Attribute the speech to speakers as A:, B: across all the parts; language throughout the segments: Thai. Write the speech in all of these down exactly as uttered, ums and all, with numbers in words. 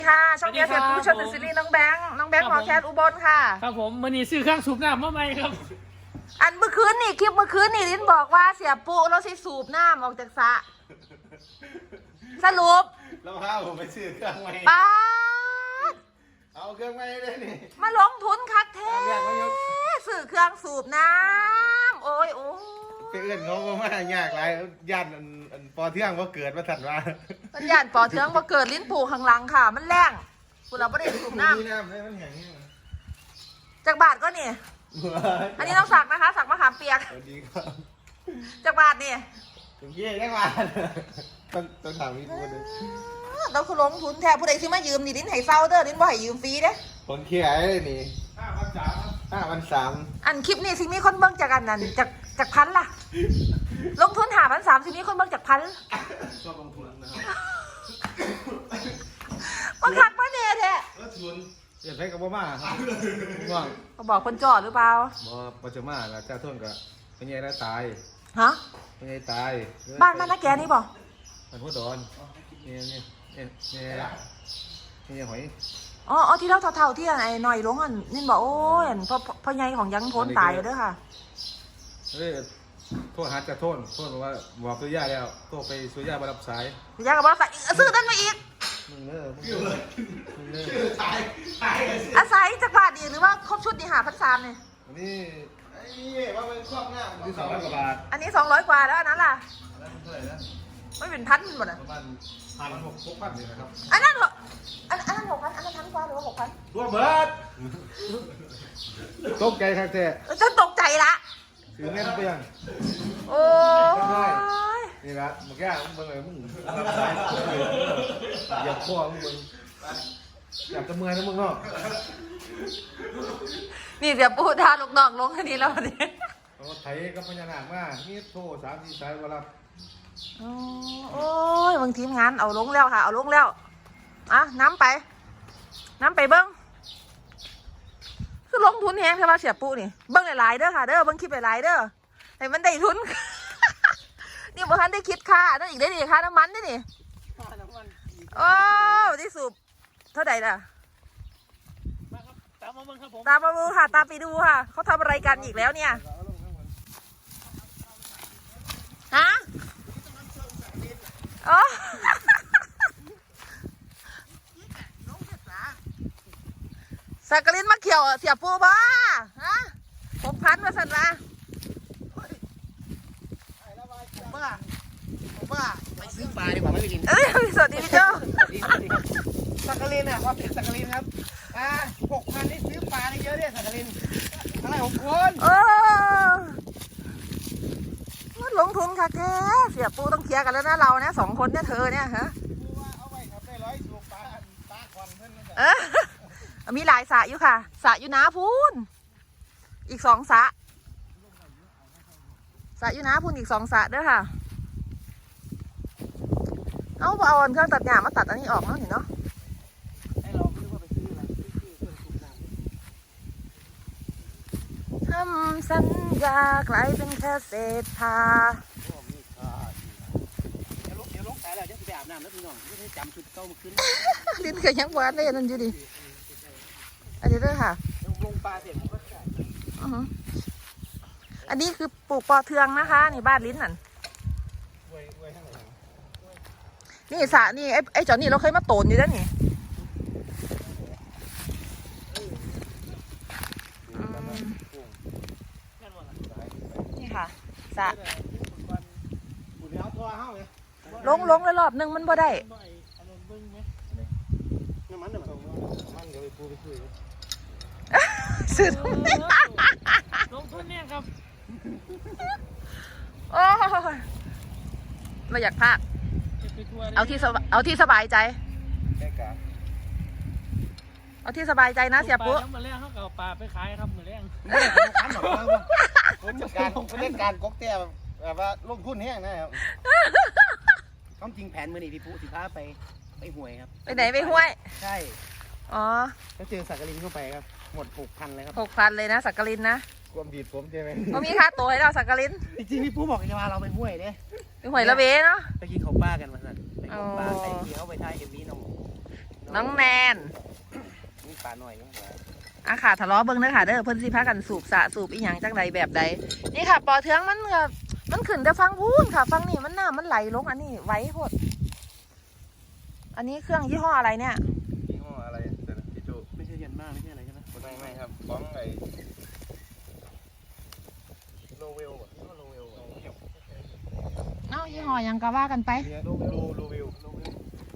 A: ค่ะช่องเดียวเสียผู้ชมซีรีส์น้องแบงค์น้องแบงค์หมอแคนอุบลค่ะ
B: ครับผมมันนี่ซื้อเครื่องสูบน้ำมาใหม่ครับ
A: อันเมื่อคืนนี่คลิปเมื่อคืนนี่ลิ้นบอกว่าเสียปุ๊เราสิสูบน้ำออกจากสระสรุป
C: แล้วพาผมไปซื้อเครื่องใหม่
A: ป้าด
C: เอาเครื่องใหม่เลยนี่
A: มาลงทุนคักแท้ซื้อเครื่องสูบน้ำโอ้ยโอ้ย
C: ไปเอื้อนเขาก็มายากไรย่านอันปอเที่ยงว่าเกิดมาถัดว่า
A: มันย่านปอเทืองมาเกิดลิ้นผูข้างหลังค่ะ มันแรงคุณเราไม่ได้สูบน้
C: มีน้ำเลยมันแห้งนี่
A: ำจากบาทก็นี่อันนี้ต้องสักนะคะสักมะขามเปียก
C: สวัสดีครับ
A: จากบาทนี่
C: ถึงเยี่ยได้มาต้องต้องถามพี่พูดเลย
A: เราคือลงทุนแทนผู้ใดซื้อมายืมนี่ลิ้นให้เศร้าเด้อลิ้นบ่ให้ยืมฟรีเด้
C: คนเขี้ยเลยนี่ห้าพันสามห้าพันสาม
A: อันคลิปนี้สิมีคนเบิ่งจากอันนั้นจากจากพันล่ะ ลงทุนหาพันสามสิมีคนเบิ่งจากพัน
C: ก็ลงทุนนะครับ
A: มันคักมาเนี่ยแท้
C: แล้วทุนอย่าใช้กับบ่มาครับง่วง
A: เขาบอกคนจอดหรือเปล่า
C: บ่ปัจจุบันแล้วจ้าทุนก็เป็นไงแล้วตาย
A: ฮะ
C: เป็นไงตาย
A: บ้านบ้านนักแกนี่บอก
C: มันหัวดอนนี่นี่นี่นี่นี่หอย
A: อ๋ออ๋อที่เราเท่าๆที่ไอ้หน่อยลงอันนี่บอกโอ้ยอันพ่อพ่อใหญ่ของยังพ้นตายอยู่เด้อค่ะ
C: เฮ้ยโทษหาจะโทษโทษบอกว่าบอกตัวยาแล้วโทษไปตัวยามารับสาย
A: อยากกับว่าใส่ซื้อนั่นมาอีก
C: มึงเนอะมึงเนอะมึงเนอะ
A: อาศัยจากบาทดีหรือว่าครบชุดนี่หาพันสามเนี่ย
C: อันนี้ไอ้นี่ว่าเป็นครอบหน้าที่สองร้อยกว่าบาท
A: อันนี้สองร้อยกว่าแล้วอันนั้นล่ะ
C: แล้วเท่าไหร่นะ
A: ไม่เป็นพันหมดอ่ะ
C: ประมาณพันหกหกพันเลยนะครับ
A: อันนั้นเหรออันอันนั้นหกพันอันนั้นพันกว่าหรือว่าหกพัน
C: รวมเบิดตกใจครับแท้
A: จะตกใจละ
C: ถือเงินเปลี่ยน
A: โอ้ย
C: นี่ละมึงแก่มึงเบิ่งเลยมึงรับสายอย่าพ่อมึงเบิ่งอยากจะเมื่อยนะมึงเนาะ
A: นี่เดี๋ยวปูทาลูกน้องลงทีแล้ววันนี้
C: เขาไถกับพญานาคมานี่โทรสามสี่สายว่ารับ
A: โอ้ยบางทีมงานเอาลงแล้วค่ะ เอาลงแล้วอ่ะน้ำไป น้ำไปเบิ้งคือลงทุนแฮงใช่ป่ะเสียปูนี่เบิ้งหลายๆเด้อค่ะเด้อเบิ้งคลิปหลายๆเด้อให้มันได้ทุน นี่บ่ทันได้คิดค่านั่นอีกได้ดิค่าน้ำมันนี่นี่โอ้ที่สูบเท่าไหร่ล่ะ
B: มาครับตามมาเบิ่งครับผม
A: ตามมาดูค่ะ ตามไปดูค่ะ เขาทำอะไรกันอีกแล้วเนี่ยฮะอ๋อ สักกลินมาเขียวเสียปูบ้าฮะผมพันมาสั่นมาผมบ้าผมบ้า
D: ไปซื้อปลาดีกว่าไม่ไปกิน
A: เอ้ยสวัสดีพี่โจ
D: สักกะลินอ่ะความเป็นสักกะลินครับอ่าหกพันนี่ซื้อปลาได้เยอะเนี่ยสักกะลินอะไรหกคน
A: เออมันลงทุนค่ะแกเสียปูต้องเคลียร์กันแล้วนะเราเนี่ยสองคนเนี่ยเธอเนี่ยฮะ
D: รู้ว่าเอาไว้ครับได้ร้อยสูบปลาปลาควันเพื่อนนั่นแหละ
A: เออมีหลายสระอยู่ค่ะสระอยู่นาพูนอีกสองสระสระอยู่นาพูนอีกสองสระเด้อค่ะเอาเอาเครื่องตัดหญ้ามาตัดอันนี้ออกเนาะเห็นเนาะ
D: ให้เราไม่รู้ว่าไปซื้ออะไรซื้อเครื่องสูบน้ำ
A: ทำสัญญากลายเป็นแค่เศษผ้า
D: พวกนี้ค่าเดี๋ยวลงเดี๋ยวลงสายแล้วจะไปอาบน้ำแล้วพี่น้องไม่ได้จำชุดเก่ามาขึ้น
A: ลิ้นเคยยังหวานได้นั่นอยู่ดิอันนี้เด้อค่ะ
D: ลงปลาเสร็จผมก็ใส่
A: อือหืออันนี้คือปลูกปอเทืองนะคะนี่บ้านลิ้นนั่น
C: ไว้ไว้ข้างหลัง
A: นี่สระนี่ไอ้ไอ้จอนี่เราเคยมาโตนอยู่แล้วนี่อืมนี่ค่ะสระ
D: บุญแล้วทัวร์เฮ้าเลย
A: ลงลงเลยรอบนึงมันบ่ได้
D: น้ำมันน้ำมัน
C: มันเดี๋ยวไปปูไปคุย
A: สุด
B: ลงทุนเนี่ยครับ
A: โอ้ยไม่อยากพาก
B: จะไปทัวร์
A: เอาที่สบเอาที่สบายใจ
C: แค่กะ
A: เอาที่สบายใจนะเสียปุ๊
B: ปลาแล้วมาแล้งเขาก็เอาปลาไปขายครับมาแล้ง
D: ขันหรอกเราผมจัดการผมเล่นการก๊กเตี้ยแบบว่าลงทุนแห้งนะครับความจริงแผนมือนี่พี่ปุ๊สิพาไปไปห่วยครับ
A: ไปไหนไปห้วย
D: ใช่
A: อ๋อ
D: แล้วเจอสักกะลินเข้าไปครับหมดหกพันเลยครับ
A: หกพันเลยนะสักกลินนะ
C: ความดีดผมใช่ไหม
A: ก็มีค่าตัวให้เราสักกลิน
D: จริงๆพี่ปุ๊บอกจะพาเราไปห้วยเด้
A: ไปหวยละเวเนาะ
D: ไปกินของป้ากันมาสั่นไปกินของป้า
A: อ๋อ
D: ไอ้ที่เขาไปถ่ายเอ็มวีน้องน้
A: น้องแนน
D: นี่ปลาหน่อยนี่หว่า
A: อ่ะค่ะทะเลาะเบิ้งเด้อค่ะเด้อเพิ่นสิพากันสูบสะสูบอีหยังจังใดแบบใดนี่ค่ะปอเทืองมันก็มันขึ้นแต่ฟังพูนค่ะฟังนี่มันน้ำมันไหลลงอันนี้ไว้โหดอันนี้เครื่องยี่ห้ออะไรเนี่ย
C: ยี่ห้ออะไรแต่พี่โจ
D: ไม่ใช่ยันมากไม่ใช่อะไรใช่ไหม
C: ไม่ไม่ครับบ้องไอ้โลเวลอ่ะยี่ห้อโลเวลอ่ะ
A: เอ้ายี่ห้อหยังก็ว่ากันไป
C: โลโลโลเวลโลเวล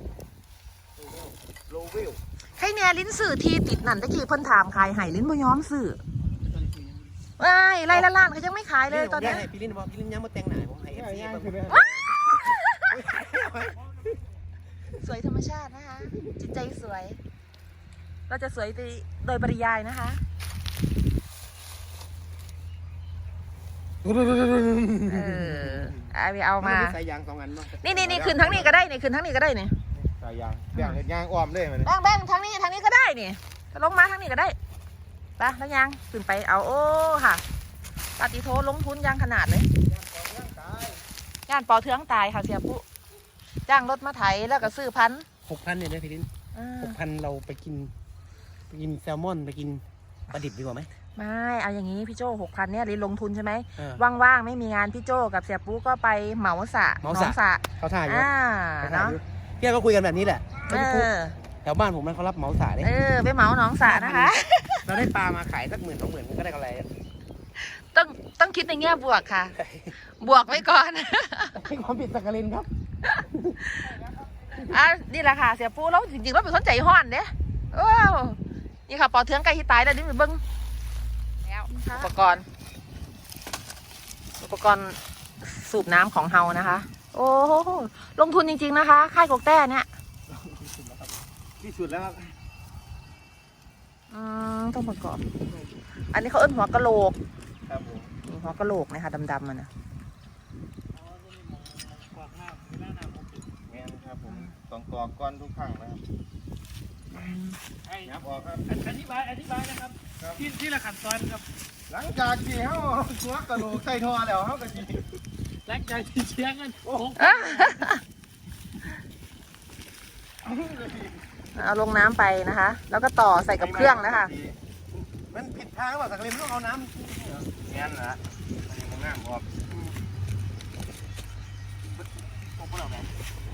C: โลเวล
A: ให้แน่ลิ้นสื่อทีติดนั่นตะกี้เพิ่นถามขายไห้ลิ้นบ่ยอมซื้อว้ายไล่ละล้านเขายังไม่ขายเลยตอนนี้
D: ให้พี่ลินบอกพี่ลินยังมาแต่งหน้าผมให้เอฟซี
C: ย่าง
D: บ้าง
C: คือเนี่ย
A: สวยธรรมชาตินะคะ จิตใจสวย เราจะสวยไปโดยปริยายนะคะเออเอาไปเอามา
D: ใส่ยางสองอันเนาะ
A: นี่นี่นี่คืนทั้งนี้ก็ได้นี่คืนทั้งนี้ก็ได้นี่
C: สายยางแบ่งเห็ดยางอ้อมเลยมัน
A: แบ่งแบ่งทั้งนี้ทั้งนี้ก็ได้นี่ลงมาทั้งนี้ก็ได้ไปแล้วยังขึ้นไปเอาโอ้ค่ะปฏิโทลงทุนยางขนาดเลยย่านปอเทืองตายค่ะเสียปุ๊จ้างรถมาไถแล้วก็ซื้อพันธุ์
D: หกพันเนี่ยนะพี่ลิน
A: อ่า
D: หกพันเราไปกินไปกินแซลมอนไปกินปลาดิบดีกว่าไหม
A: ไม่เอาอย่างนี้พี่โจ้หกพันเนี่ยลินลงทุนใช่ไหม
D: เออ
A: ว่างๆไม่มีงานพี่โจ้กับเสียปุ๊ก็ไปเหมาสระ
D: เหมาสระ
A: สระ
D: เขาถ่ายอยู่
A: อ่า
D: เขาถ่าย
A: เนาะ
D: อยู่พี่ก็คุยกันแบบนี้แหละ
A: เออ
D: แถวบ้านผมมันเขารับเหมาสาเลย
A: เออไปเหมาหนองสระนะคะ
D: เราได้ปลามาขายสักหมื่นสองหมื่นก็ได้กำไร
A: ต้องต้องคิดในแง่บวกค่ะ บวกไว้ก่อน
D: ให้ความผิดสักกลินครับ
A: อ่ะนี่แหละค่ะเสียปูแล้วจริงๆแล้วเป็นคนใจห้อนเด้โอ้นี่ค่ะปอเทืองไก่ที่ตายแล้วนี่มันเบิ้งแล้วอุปกรณ์ อุปกรณ์สูบน้ำของเฮานะคะ โอ้โหลงทุนจริงๆนะคะค่ายกกแต้เนี่ย
D: ที่สุดแล้วครับ
A: อืมต้องประกอบ อันนี้เขาเอิ้นหัวกะโหลก
C: ครับผม
A: นี่หัวกะโหลกนะคะดำๆมันนะ
C: แม่นครับผมต้องกรอกก้อนทุกครั้งนะครับ
B: ไอ้
C: ยับออกครับ
B: อธิบายอธิบายนะครับที่ที่ละขั้นตอนครับ
C: หลังจากที่เขาหัวกระโหลกใส่ท่อแล้วเขาก็จี
B: หลังจากที่เชียงกันโอ้โห
A: เอาลงน้ำไปนะคะ แล้วก็ต่อใส่กับเครื่องนะคะ
D: มันผิดทางหรือเปล่าสักกลินต้องเอาน้ำ
C: แม่นนะอันนี้มันน้ำออก
D: พวกเราแบบ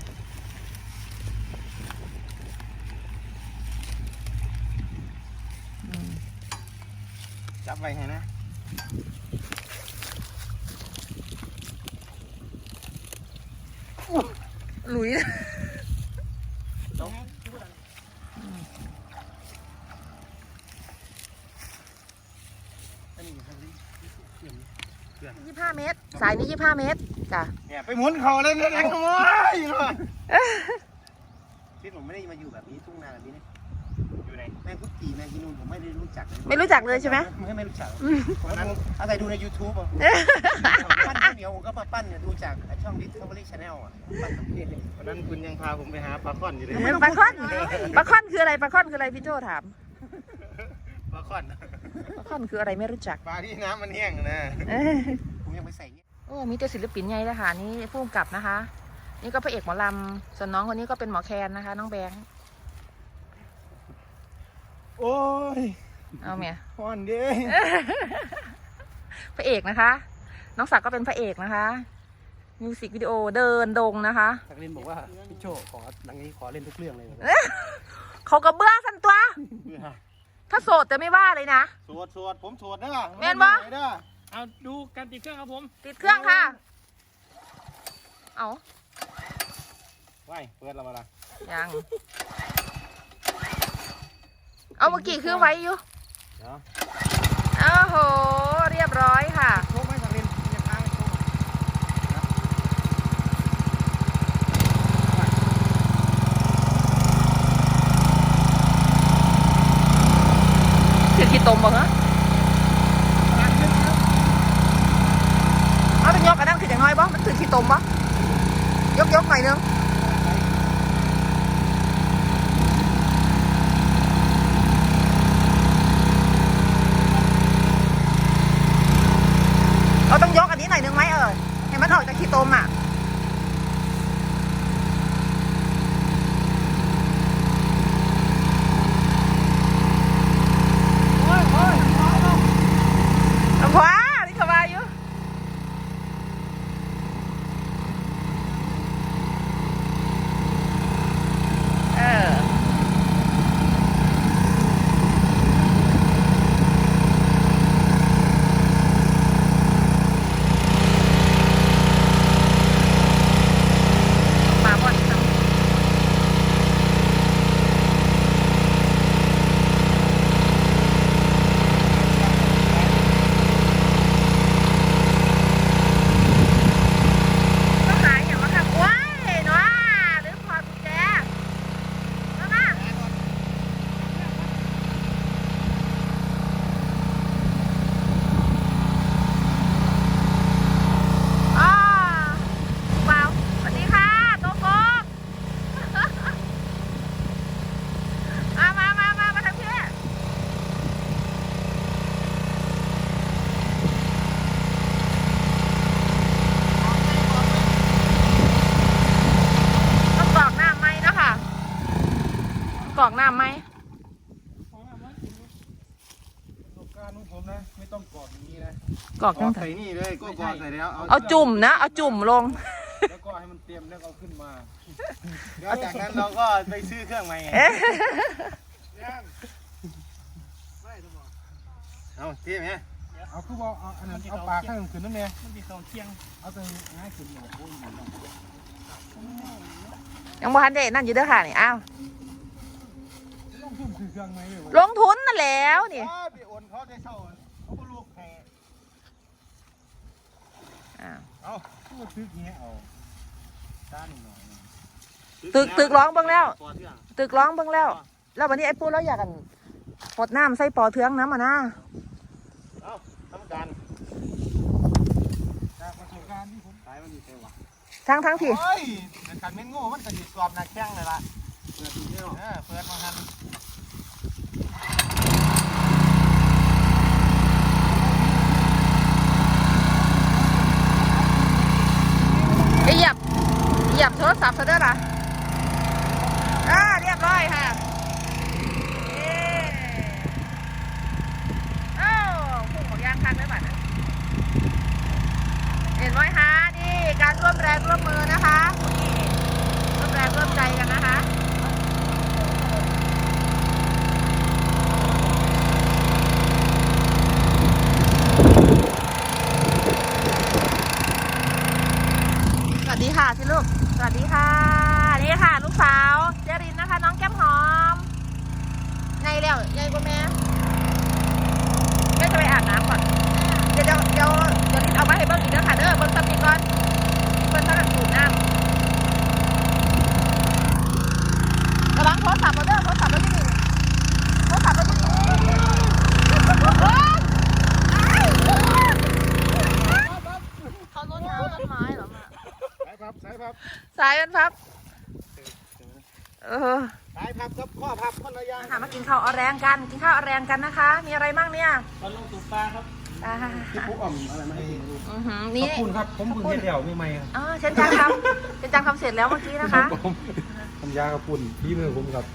C: จับไว้ให้นะ
A: หลุย
D: อันนี้ครับ
A: ยี่สิบห้าเมตร สายนี้ยี่สิบห้าเมตรจ้ะ
C: เนี่ยไปหมุนเขาเลยเนี่ยขโมยอยู่เลย
D: ที่ผมไม่ได้มาอยู่แบบนี้ทุ่งนาแบบนี้นะ
C: อยู่ไหน
D: แม่งพุทธีแม่งที่นู่นผมไม่ได้รู้จักเลย
A: ไม่รู้จักเลยใช่ไหม
D: ไม่ไม่รู้จักผมนั้นอาศัยดูใน ยูทูบ อ่ะปั้นข้าวเหนียวผมก็มาปั้นเนี่ยดูจากช่อง Discovery Channel อ่ะปั้นสำเร็จเลย
C: วันนั้นคุณยังพาผมไปหาปลาค่อนอยู่เลย
A: ปลาค่อนปลาค่อนคืออะไรปลาค่อนคืออะไรพี่โจถาม
C: ปลาค่อน
A: ปลาค่อนคืออะไรไม่รู้จัก
C: ปลาที่น้ำมันแห้งนะ
A: เอ้ย
D: ผมยังไปใส่เงี้ย
A: โอ้มีแต่ศิลปินใหญ่เลยค่ะนี่ผู้กำกับนะคะ นี่ก็พระเอกหมอลำส่วนน้องคนนี้ก็เป็นหมอแคนนะคะ น้องแบงค์
C: โอ้ย
A: เอาเมีย
C: ค่อนเด้
A: พระเอกนะคะ น้องศักดิ์ก็เป็นพระเอกนะคะมิวสิกวิดีโอเดินดงนะคะ
D: สักกลินบอกว่าพี่โจขอหลังนี้ขอเล่นทุกเรื่องเลย
A: เขาก็เบื่อสันตัว ถ้าโสดจะไม่ว่าเลยนะ
C: สวดสวดผมสวดเด้อ
A: แม่นบ่
C: เด้อ
B: เอาดูการติดเครื่องครับผม
A: ติดเครื่องค่ะ เอา
C: ไว้เปิดแล้วมาละ
A: ยัง เอาเมื่อกี้คือไว้อยู่
C: เดี๋ยว
A: โอ้โห เรียบร้อยค่ะ
D: โชคไหมสักกลินยังค้างโชค
A: ถือขี้ตมบ่เหรอเอาเป็นยกอันนั้นคืออย่างน้อยบ่มันถือขี้ตมบ่ยกยกหน่อยนึงเราต้องยกอันนี้หน่อยนึงไหมเออให้มันออกจากขี้ตมอ่ะกรอกน้ำไหม
B: ของน้ำมันกิน
C: ประสบการณ์ของผมนะไม่ต้องกอดอย่างนี้นะ
A: กรอก
D: ก
A: จั
D: อง ก
A: ไง
D: ใส่นี่เลยก็กอกใส่แล้ว
A: เอาจุ่มนะเอาจุ่มลง
C: แล้วก็ให้มันเตรียมแล้วเอาขึ้นมา
D: แล้วจากนั้นเราก็ไปซื้อเครื่องใหม่
A: เอ๊ะ
D: เอาเทียบไหม
C: เอาคือว่าเอาอันนั้นเอาปลาข้างขึ้นนั่นเอง
B: มันมีเขาเที่ยง
C: เอาตัวง่ายขึ้นหน่อยโอ้ย
A: ยังบ่ทันได้นั่นอยู่เด้อค่ะนี่อ้าว
C: ต้องทุ่มคือเครื่องไหมเลยวะ
A: ลงทุนนั่นแล้วนี่
D: อ๋อไปโอนเขาได้เช่าเขาก็ลูกแห่
A: อ้าว
D: เอา
C: ตัวตึกเงี้ยเอาด้านหน่อย
A: ตึกตึกร้องเบิ่งแล้ว
D: ปอเทื่อง
A: ตึกร้องเบิ่งแล้ว แล้ววันนี้ไอ้ปูเราอยากกันปดน้ำใส่ปอเทืองน้ำมานะ
D: เอาทำการ
C: จากประสบการณ์ที่ผม
D: สายมันมีเทวะ
A: ทั้งทั้งที่
D: โอ้ยแต่การเม่นโง่มันกระดิกกรอบหนักแข้งเลยล่ะเปิดทีเดียวเออเปิดมาทัน
A: เหยียบเหยียบโทรศัพท์ซะเด้อล่ะอ่าเรียบร้อยค่ะเย้อ้าวพุ่งของยางคันด้วยบัดนะเห็นไหมคะนี่การร่วมแรงร่วมมือนะคะนี่ร่วมแรงร่วมใจกันนะคะ สวัสดีค่ะที่ลูก สวัสดีค่ะ นี่ค่ะ ลูกสาวเจรินนะคะ น้องแก้มหอมไงแล้วยายกว่าแม่แม่จะไปอาบน้ำก่อน เดี๋ยวเดี๋ยวเดี๋ยวเดี๋ยวนี้เอามาให้เบิ้งอีกแล้วค่ะเด้อเบิ้งซับนี้ก่อนเบิ้งซับแบบสูบน้ำระวังโทรศัพท์เราเด้อโทรศัพท์เราที่นี่โทรศัพท์เราที่นี่เขาโน้นน้ำต้นไม้เหรอมา
C: สายพับสายพับ
A: สายมันพับ เออ
D: สายพับกับข้อพับคนละอย่าง
A: ค่ะมากินข้าวเอาแรงกัน กินข้าวเอาแรงกันนะคะ มีอะไรบ้างเนี่ย
B: ปลาลงตุกปลาครับ
A: อ่า
C: ที่ปุ๊อ่อมอะไรมาให้กินดู
A: อือหือ
C: ข
A: นี่
C: อบคุณครับผมเพิ่งเฮ็ดแล้วไม่ไม่ครับ
A: อ๋อเชนจังทำเชนจังทำเสร็จแล้วเมื่อกี้นะคะ
C: ผมทำยากระปุ่นพี่มือผมครับ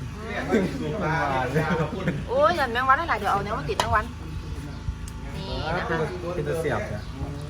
A: โอ้ยยันแมงวันได้หลายเดี๋ยวเอาเนี้ยมาติดแมงวัน นี่นะ
C: เป็น
A: คะ
C: เป็นตะเสียบเนี่ย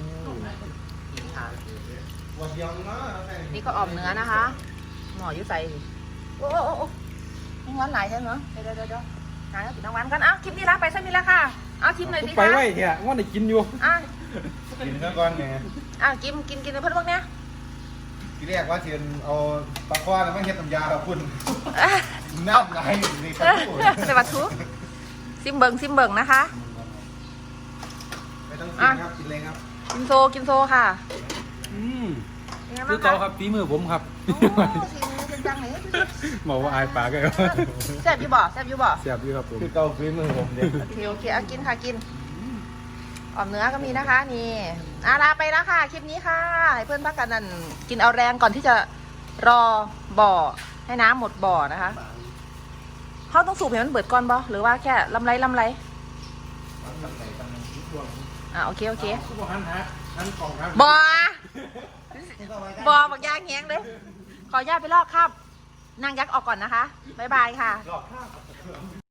A: นี่ก็ออมเนื้อนะคะ หมอยุ่ใส่โอ้โอ้โอ้โอ้แมงวันหลายใช่ไหมเดี๋ยวเดี๋ยวเดี๋ยวหาแล้วติดแมงวันกันอ้าวคลิปนี้ละไปซะมีแล้วค่ะเอาคลิปหน่อยสิ
C: ไป
A: คะ
C: ไว้แค่ว่าได้กินอยู่
A: อ่ะ
C: กินซะก่อนไง
A: อ่ะกินกินกินในเพื่อนพวกเนี้ย
C: ทีแรกว่าเทียนเอาปลาคว้าแล้วไม่เฮ็ดน้ำยาครับคุณ
A: อ่ะ
C: น้ำไหลนี่ครับ
A: ใส่วัตถุซิมเบิงซิมเบิงนะคะ
C: ไม่ต้องกินครับกินเลยครับ
A: กินโซกินโซค่ะ
C: อืม
A: เป็นไง
C: คื
A: บ้า
C: อง เกา
A: คะ
C: ครับฝีมือผมครับ
A: โอ้ทีนี้เป็นจังไหน
C: บอกว่าอายปากเลย
A: แซ่บอยู่บ่แซ่บอยู่บ่
C: เสียบอยู่ครับผมคือเกาฝีมือผมเนี่ย
A: โอเคโอเคเอากินค่ะกินออมเนื้อก็มีนะคะ นี่อาลาไปแล้วค่ะคลิปนี้ค่ะให้เพื่อนพักกันนั่นกินเอาแรงก่อนที่จะรอบ่อให้น้ำหมดบ่อนะคะเขาต้องสูบให้มันเบิดก่อนบ่หรือว่าแค่ลำไรลำไรอ่าโอเคโอเค
C: คือบอกหันหาหันกล่องครับ
A: บ่อบ่อบักยางแงงเลย ขออนุญาตไปลอกครับนางยักษ์ออกก่อนนะคะบ๊ายบายค่ะ